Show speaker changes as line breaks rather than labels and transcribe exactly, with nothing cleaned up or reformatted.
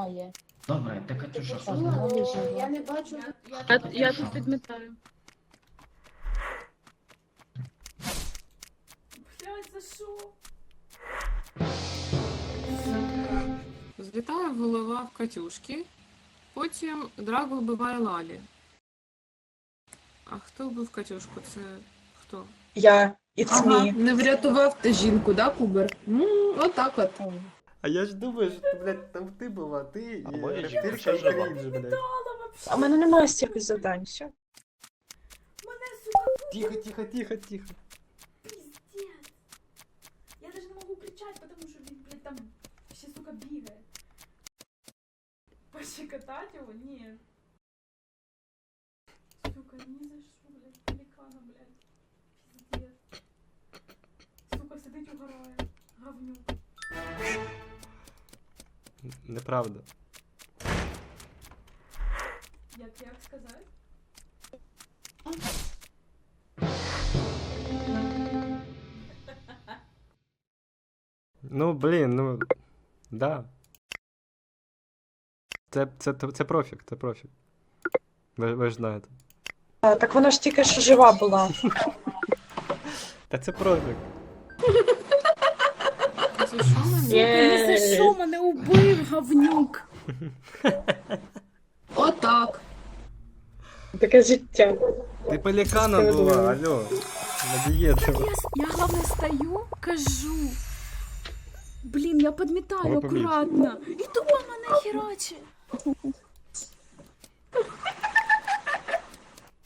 немає.
Добре, та Катюша, що з
Ну,
ним?
е,
Я не бачу.
Я, я тут підмітаю.
Блядь, за що?
Злітає голова в Катюшки, потім Драго вбиває Лалі. А хто вбив Катюшку? Це хто?
Я. It's
Ага,
me.
не врятував ти жінку, да, Кубер? Ну, отак от.
А я ж думаю, що, блядь, там ти була, ти
А
і
моя
рептилька
жінка
і
жива.
Крінж, блядь.
А в мене немає стільки завдань, все.
Мене, сука,
Тихо, тихо, тихо, тихо.
пиздец. Я даже не могу кричать, потому что він, блядь, там ще, сука, бігає. Пощекотать його? Ні. Сука, ні за що, блядь, пелікана, блядь. Пиздец. Сука, сидить угорає. Говнюк.
Неправда.
Як, як сказати?
Ну, блін, ну, да. Це, це, це профік, це профік. Ви, ви ж знаєте.
А, так вона ж тільки що жива була.
Та це профік.
Це що мене?
Сука, ні за що мене убив, говнюк.
Отак.
Таке життя.
Ти пеліканом була, алло. На дієту.
Я, с- я главное стою, кажу. Блін, я підмітаю
Ви помітили.
акуратно. І тупо мене херачить.